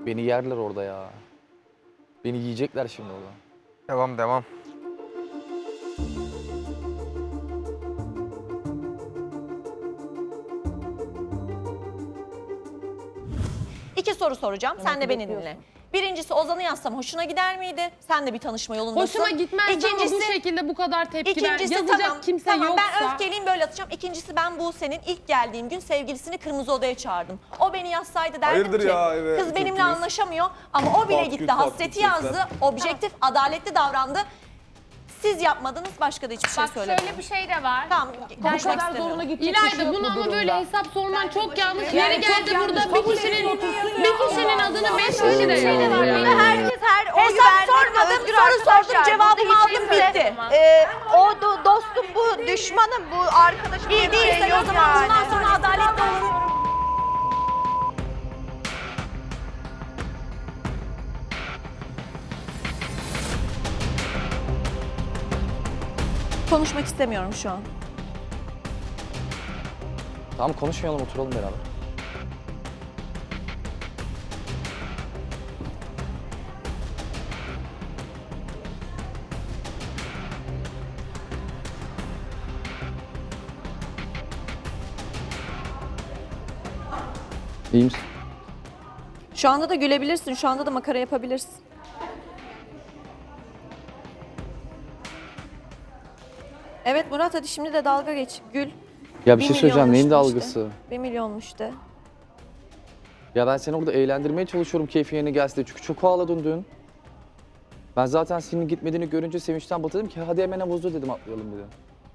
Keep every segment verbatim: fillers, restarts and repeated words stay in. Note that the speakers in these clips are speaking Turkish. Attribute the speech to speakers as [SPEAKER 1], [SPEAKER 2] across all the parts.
[SPEAKER 1] Beni yerler orada ya. Beni yiyecekler şimdi orada.
[SPEAKER 2] Devam devam.
[SPEAKER 3] İki soru soracağım. Sen de beni dinle. Birincisi Ozan'ı yazsam hoşuna gider miydi? Sen de bir tanışma yolundasın.
[SPEAKER 4] Hoşuma gitmez ama bu şekilde bu kadar tepki ver.
[SPEAKER 3] İkincisi
[SPEAKER 4] Yazacak
[SPEAKER 3] tamam,
[SPEAKER 4] kimse
[SPEAKER 3] tamam,
[SPEAKER 4] yoksa.
[SPEAKER 3] ben öfkeliyim böyle atacağım. İkincisi ben bu senin ilk geldiğim gün sevgilisini kırmızı odaya çağırdım. O beni yazsaydı derdim
[SPEAKER 5] Hayırdır
[SPEAKER 3] ki
[SPEAKER 5] ya, evet,
[SPEAKER 3] kız
[SPEAKER 5] çok
[SPEAKER 3] benimle
[SPEAKER 5] iyiyiz.
[SPEAKER 3] anlaşamıyor ama o bile
[SPEAKER 5] Pat
[SPEAKER 3] gitti
[SPEAKER 5] küt, pat
[SPEAKER 3] hasreti
[SPEAKER 5] küt
[SPEAKER 3] yazdı.
[SPEAKER 5] sesler.
[SPEAKER 3] Objektif, adaletli davrandı. Siz yapmadınız, başka da hiçbir şey
[SPEAKER 6] Bak
[SPEAKER 3] söylemedim.
[SPEAKER 6] şöyle bir şey de var.
[SPEAKER 3] Tamam, konuşmak
[SPEAKER 4] kadar
[SPEAKER 3] istemiyorum.
[SPEAKER 4] zoruna İlayda bunu ama böyle hesap sorman çok yanlış. Yeri geldi burada bir kişinin bir kişinin adını beş kişi de
[SPEAKER 6] Bir şey de var.
[SPEAKER 4] yazıyor.
[SPEAKER 6] Burada herkes her oy
[SPEAKER 3] Hesap
[SPEAKER 6] verdiğinde
[SPEAKER 3] sormadım,
[SPEAKER 6] özgür
[SPEAKER 3] soru sordum,
[SPEAKER 6] arkadaşlar.
[SPEAKER 3] cevabımı
[SPEAKER 6] Burada hiç
[SPEAKER 3] aldım,
[SPEAKER 6] kimse-
[SPEAKER 3] bitti.
[SPEAKER 7] Ee, o do- dostum bu, düşmanım bu, arkadaşım
[SPEAKER 3] İyi
[SPEAKER 7] diye bir
[SPEAKER 3] değilse
[SPEAKER 7] şey
[SPEAKER 3] o
[SPEAKER 7] yok
[SPEAKER 3] zaman
[SPEAKER 7] yani.
[SPEAKER 3] bundan sonra adaletli olun. Konuşmak istemiyorum şu an.
[SPEAKER 1] Tamam konuşmayalım, oturalım beraber. İyi misin?
[SPEAKER 3] Şu anda da gülebilirsin, şu anda da makara yapabilirsin. Evet Murat, hadi şimdi de dalga geç, gül.
[SPEAKER 1] Ya bir şey söyleyeceğim, neyin
[SPEAKER 3] milyonmuş
[SPEAKER 1] dalgası?
[SPEAKER 3] de. Bir milyonmuş de.
[SPEAKER 1] Ya ben seni orada eğlendirmeye çalışıyorum keyfin yerine gelsin diye. Çünkü çok ağladın dün. Ben zaten senin gitmediğini görünce sevinçten batırdım ki hadi hemen havuzda dedim, atlayalım dedim.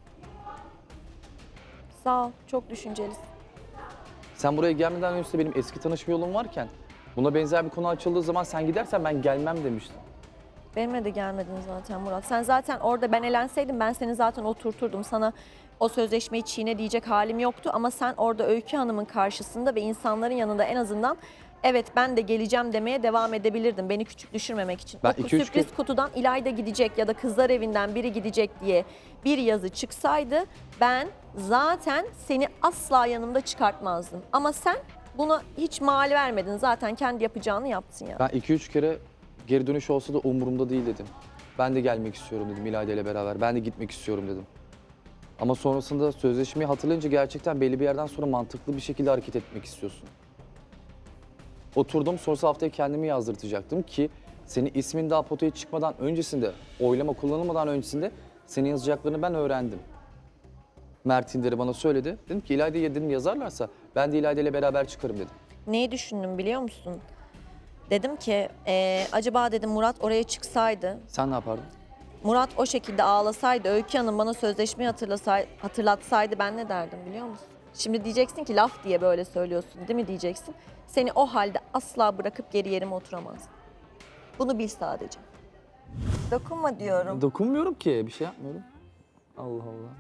[SPEAKER 3] Sağ ol, çok düşüncelisin.
[SPEAKER 1] Sen buraya gelmeden önce benim eski tanışma yolum varken buna benzer bir konu açıldığı zaman sen gidersen ben gelmem demiştim.
[SPEAKER 3] Benimle de gelmedin zaten Murat. Sen zaten orada ben elenseydim ben seni zaten oturturdum. Sana o sözleşmeyi çiğne diyecek halim yoktu. Ama sen orada Öykü Hanım'ın karşısında ve insanların yanında en azından evet ben de geleceğim demeye devam edebilirdin. Beni küçük düşürmemek için.
[SPEAKER 1] Ben
[SPEAKER 3] o
[SPEAKER 1] iki üç
[SPEAKER 3] sürpriz
[SPEAKER 1] kez-
[SPEAKER 3] kutudan İlayda gidecek ya da kızlar evinden biri gidecek diye bir yazı çıksaydı ben zaten seni asla yanımda çıkartmazdım. Ama sen buna hiç mal vermedin. Zaten kendi yapacağını yaptın ya.
[SPEAKER 1] Ben iki üç kere geri dönüş olsa da umurumda değil dedim. Ben de gelmek istiyorum dedim İlayda ile beraber. Ben de gitmek istiyorum dedim. Ama sonrasında sözleşmeyi hatırlayınca gerçekten belli bir yerden sonra mantıklı bir şekilde hareket etmek istiyorsun. Oturdum, sonrası haftaya kendimi yazdırtacaktım ki senin ismin daha potaya çıkmadan öncesinde, oylama kullanılmadan öncesinde senin yazacaklarını ben öğrendim. Mert İnder'i bana söyledi. Dedim ki İlayda'ya dedim yazarlarsa ben de İlayda ile beraber çıkarım dedim.
[SPEAKER 3] Neyi düşündüm biliyor musun? Dedim ki eee, acaba dedim Murat oraya çıksaydı,
[SPEAKER 1] Sen ne yapardın?
[SPEAKER 3] Murat o şekilde ağlasaydı, Öykü Hanım bana sözleşmeyi hatırlasay, hatırlatsaydı ben ne derdim biliyor musun? Şimdi diyeceksin ki laf diye böyle söylüyorsun değil mi diyeceksin. Seni o halde asla bırakıp geri yerime oturamazdım. Bunu bil sadece. Dokunma diyorum.
[SPEAKER 1] Dokunmuyorum ki, bir şey yapmıyorum. Allah Allah.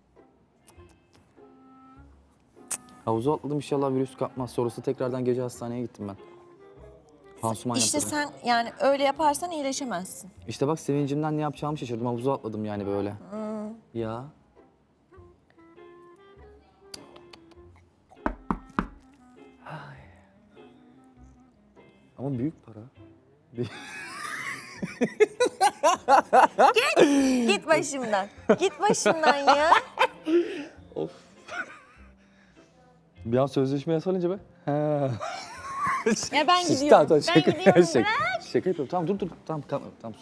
[SPEAKER 1] Havuza atladım, inşallah virüs kapmaz. Sonrası tekrardan gece hastaneye gittim ben. Pansuman
[SPEAKER 3] İşte
[SPEAKER 1] yaptırdım.
[SPEAKER 3] sen yani öyle yaparsan iyileşemezsin.
[SPEAKER 1] İşte bak sevincimden ne yapacağımı şaşırdım. Havuza atladım yani böyle. Ya. Ay. Ama büyük para.
[SPEAKER 3] Git başımdan. Git başımdan ya.
[SPEAKER 1] Of. Bir an sözleşme yasalayınca be. He.
[SPEAKER 3] Ya ben gidiyorum.
[SPEAKER 1] Tamam, tamam,
[SPEAKER 3] Ben
[SPEAKER 1] şaka,
[SPEAKER 3] gidiyorum.
[SPEAKER 1] şaka, şaka yapıyorum. Tamam dur dur. Tamam tamam. tamam.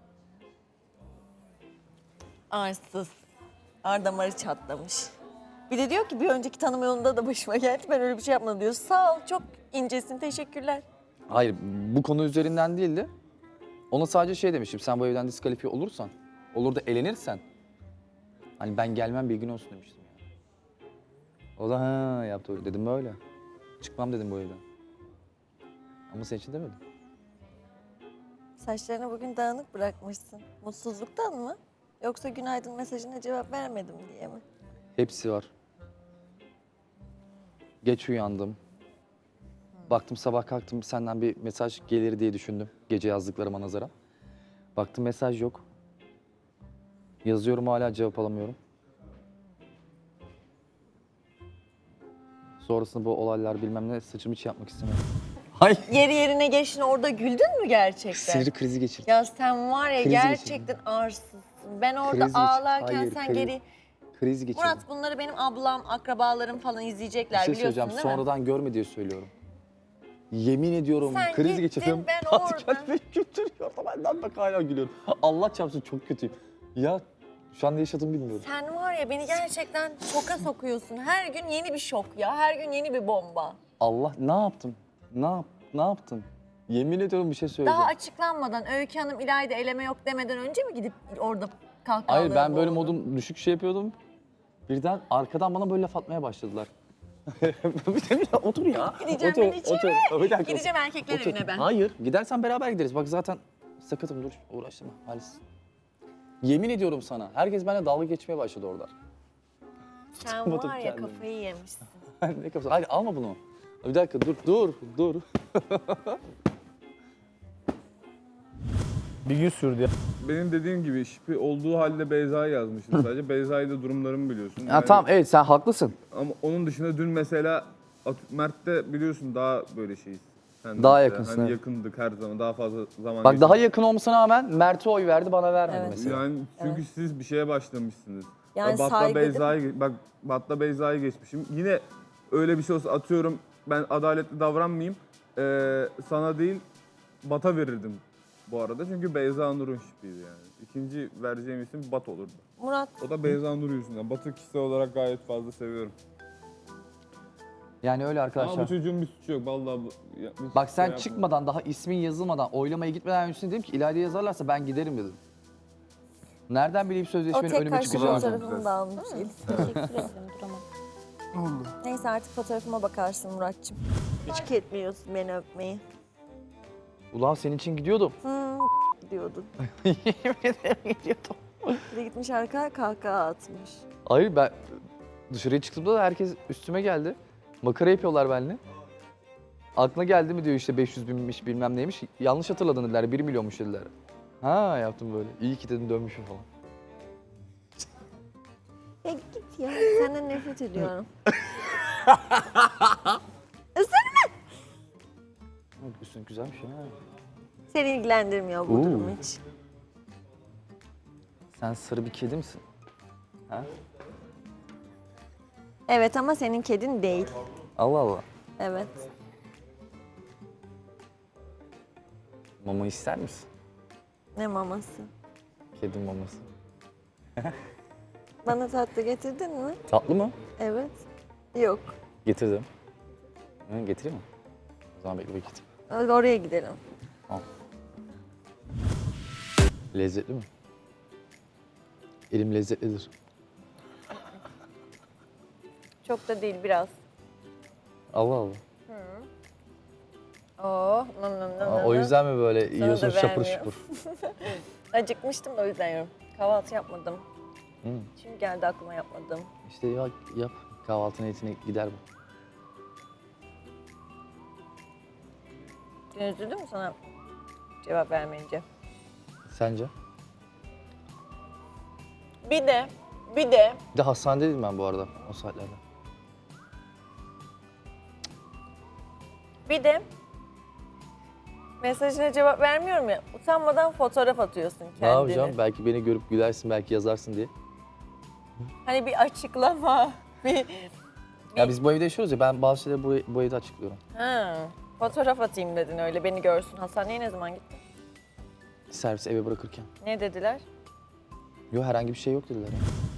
[SPEAKER 3] Arsız. Ar damarı çatlamış. Bir de diyor ki bir önceki tanıma yolunda da başıma geldi. Ben öyle bir şey yapmadım diyor. Sağ ol, çok incesin, teşekkürler.
[SPEAKER 1] Hayır, bu konu üzerinden değildi. Ona sadece şey demiştim, sen bu evden diskalifiye olursan, olur da elenirsen, hani ben gelmem bilgin olsun demiştim yani. O da ha yaptı öyle, dedim böyle. Çıkmam dedim bu evden. Ama senin için demedim.
[SPEAKER 3] Saçlarını bugün dağınık bırakmışsın. Mutsuzluktan mı? Yoksa günaydın mesajına cevap vermedim diye mi?
[SPEAKER 1] Hepsi var. Geç uyandım. Baktım sabah kalktım senden bir mesaj gelir diye düşündüm. Gece yazdıklarıma nazaran. Baktım mesaj yok. Yazıyorum hala cevap alamıyorum. Sonrasında bu olaylar bilmem ne saçımı hiç yapmak istemiyorum. Hayır.
[SPEAKER 3] Yeri yerine geçtin orada güldün mü gerçekten?
[SPEAKER 1] Sinir krizi geçirdim.
[SPEAKER 3] Ya sen var ya
[SPEAKER 1] Krizi
[SPEAKER 3] gerçekten arsızsın. Ben orada
[SPEAKER 1] Kriz geçir-
[SPEAKER 3] ağlarken
[SPEAKER 1] Hayır,
[SPEAKER 3] sen
[SPEAKER 1] kriz-
[SPEAKER 3] geri...
[SPEAKER 1] Kriz geçirdim.
[SPEAKER 3] Murat bunları benim ablam, akrabalarım falan
[SPEAKER 1] Bir
[SPEAKER 3] izleyecekler
[SPEAKER 1] şey
[SPEAKER 3] biliyorsun
[SPEAKER 1] söyleyeceğim.
[SPEAKER 3] değil mi?
[SPEAKER 1] Sonradan görme diye söylüyorum. Yemin ediyorum
[SPEAKER 3] Sen
[SPEAKER 1] kriz
[SPEAKER 3] gittin,
[SPEAKER 1] geçirdim.
[SPEAKER 3] ben
[SPEAKER 1] Hadi
[SPEAKER 3] orada.
[SPEAKER 1] kendimi götürüyor. Benden bak hala gülüyorum. Allah çarpsın çok kötüyüm. Ya şu an ne yaşadığımı bilmiyorum.
[SPEAKER 3] Sen var ya beni gerçekten şoka sokuyorsun. Her gün yeni bir şok ya. Her gün yeni bir bomba.
[SPEAKER 1] Allah ne yaptım? Ne yap ne yaptım? Yemin ediyorum bir şey söyleyeceğim.
[SPEAKER 3] Daha açıklanmadan Öykü Hanım İlayda eleme yok demeden önce mi gidip orada kahkahaları
[SPEAKER 1] Hayır ben böyle
[SPEAKER 3] boğdun?
[SPEAKER 1] modum düşük şey yapıyordum. Birden arkadan bana böyle laf atmaya başladılar. bir de bir otur ya.
[SPEAKER 3] Gideceğim
[SPEAKER 1] otur,
[SPEAKER 3] ben içeri.
[SPEAKER 1] otur. Bir dakika,
[SPEAKER 3] Gideceğim erkekler
[SPEAKER 1] otur.
[SPEAKER 3] evine ben.
[SPEAKER 1] Hayır gidersen beraber gideriz. Bak zaten sakatım dur uğraştırma Halis. Yemin ediyorum sana herkes benimle dalga geçmeye başladı orada.
[SPEAKER 3] Sen
[SPEAKER 1] Tutamadım
[SPEAKER 3] var ya
[SPEAKER 1] kendimi.
[SPEAKER 3] kafayı yemişsin.
[SPEAKER 1] ne kapısı? Hadi alma bunu. Bir dakika dur dur dur.
[SPEAKER 2] Bir gün sürdü ya.
[SPEAKER 5] Benim dediğim gibi şipi olduğu halde Beyza'yı yazmışım sadece. Beyza'yı da durumlarımı biliyorsun.
[SPEAKER 1] Ya tamam evet sen haklısın.
[SPEAKER 5] Ama onun dışında dün mesela At- Mert'te biliyorsun daha böyle şeyiz. Sen de
[SPEAKER 1] Daha
[SPEAKER 5] mesela,
[SPEAKER 1] yakınsın,
[SPEAKER 5] Hani
[SPEAKER 1] evet.
[SPEAKER 5] yakındık her zaman daha fazla zaman
[SPEAKER 1] Bak daha
[SPEAKER 5] geçirdik.
[SPEAKER 1] yakın olmasına rağmen Mert'e oy verdi bana vermedi
[SPEAKER 3] Evet.
[SPEAKER 1] mesela.
[SPEAKER 5] Yani çünkü siz bir şeye başlamışsınız.
[SPEAKER 3] Yani
[SPEAKER 5] Batla
[SPEAKER 3] saygı değil mi?
[SPEAKER 5] Beyza'yı bak Batla Beyza'yı geçmişim. Yine öyle bir şey olsa atıyorum ben adaletli davranmayayım. Ee, sana değil Bat'a verirdim bu arada. Çünkü Beyza Nur'un şipiydi yani. İkinci vereceğim isim Bat olurdu.
[SPEAKER 3] Murat
[SPEAKER 5] O da Beyza Nur yüzünden. Bat'ı kişisel olarak gayet fazla seviyorum.
[SPEAKER 1] Yani öyle
[SPEAKER 5] Ama
[SPEAKER 1] arkadaşlar.
[SPEAKER 5] bu çocuğun bir suçu yok. Vallahi bu, ya, bir
[SPEAKER 1] Bak
[SPEAKER 5] şey
[SPEAKER 1] sen
[SPEAKER 5] yapmadım.
[SPEAKER 1] çıkmadan daha ismin yazılmadan oylamaya gitmeden önce dedim ki İlayda'ya yazarlarsa ben giderim dedim. Nereden bileyim
[SPEAKER 3] o
[SPEAKER 1] sözleşmenin
[SPEAKER 3] tek
[SPEAKER 1] önüme
[SPEAKER 3] kaşlı
[SPEAKER 1] çıkacağını.
[SPEAKER 3] fotoğrafımı da almış.
[SPEAKER 4] Teşekkür ederim duramam.
[SPEAKER 3] Neyse artık fotoğrafıma bakarsın Muratçım. Hiç hak etmiyorsun beni öpmeyi.
[SPEAKER 1] Ulan senin için gidiyordum.
[SPEAKER 3] Hmm, diyordun.
[SPEAKER 1] Yemin ederim gidiyordum.
[SPEAKER 3] Bir de gitmiş arkaya kahkaha atmış.
[SPEAKER 1] Hayır ben dışarıya çıktığımda da herkes üstüme geldi. Makara yapıyorlar benimle. Aklına geldi mi diyor işte beş yüz binmiş bilmem neymiş. Yanlış hatırladın dediler bir milyonmuş dediler. Ha yaptım böyle. İyi ki dedim dönmüşüm falan.
[SPEAKER 3] Ya git ya. Senden nefret ediyorum.
[SPEAKER 1] Üstün güzelmiş ya.
[SPEAKER 3] Seni ilgilendirmiyor bu
[SPEAKER 1] Oo.
[SPEAKER 3] durum hiç.
[SPEAKER 1] Sen sarı bir kedi misin? Ha?
[SPEAKER 3] Evet ama senin kedin değil.
[SPEAKER 1] Allah Allah.
[SPEAKER 3] Evet.
[SPEAKER 1] Mama ister misin?
[SPEAKER 3] Ne maması?
[SPEAKER 1] Kedi maması.
[SPEAKER 3] Bana tatlı getirdin mi?
[SPEAKER 1] Tatlı mı?
[SPEAKER 3] Evet. Yok.
[SPEAKER 1] Getirdim. Ha, getireyim mi? O zaman bekle bekle.
[SPEAKER 3] Hadi oraya gidelim.
[SPEAKER 1] Lezzetli mi? Elim lezzetlidir.
[SPEAKER 3] Çok da değil biraz.
[SPEAKER 1] Allah Allah.
[SPEAKER 3] Oh, nam nam nam
[SPEAKER 1] Aa,
[SPEAKER 3] nam.
[SPEAKER 1] o yüzden mi böyle yiyorsun
[SPEAKER 3] da
[SPEAKER 1] şapur
[SPEAKER 3] vermiyor.
[SPEAKER 1] şupur?
[SPEAKER 3] Acıkmıştım da o yüzden yiyorum. Kahvaltı yapmadım.
[SPEAKER 1] Hı.
[SPEAKER 3] Şimdi geldi aklıma yapmadım.
[SPEAKER 1] İşte ya, yap. Kahvaltı niyetine gider bu.
[SPEAKER 3] Dün üzüldün mü sana cevap vermeyince?
[SPEAKER 1] Sence?
[SPEAKER 3] Bir de, bir de
[SPEAKER 1] Bir de hastanedeydim ben bu arada o saatlerde.
[SPEAKER 3] Bir de mesajına cevap vermiyorum ya, utanmadan fotoğraf atıyorsun kendini.
[SPEAKER 1] Ne yapacağım? Belki beni görüp gülersin, belki yazarsın diye.
[SPEAKER 3] Hani bir açıklama, bir...
[SPEAKER 1] Ya biz bu evde yaşıyoruz ya, ben bazı şeyleri bu, bu evde açıklıyorum.
[SPEAKER 3] Ha, fotoğraf atayım dedin öyle, beni görsün. Hastaneye ne zaman gittin?
[SPEAKER 1] Servis eve bırakırken.
[SPEAKER 3] Ne dediler?
[SPEAKER 1] Yok herhangi bir şey yok dediler ya.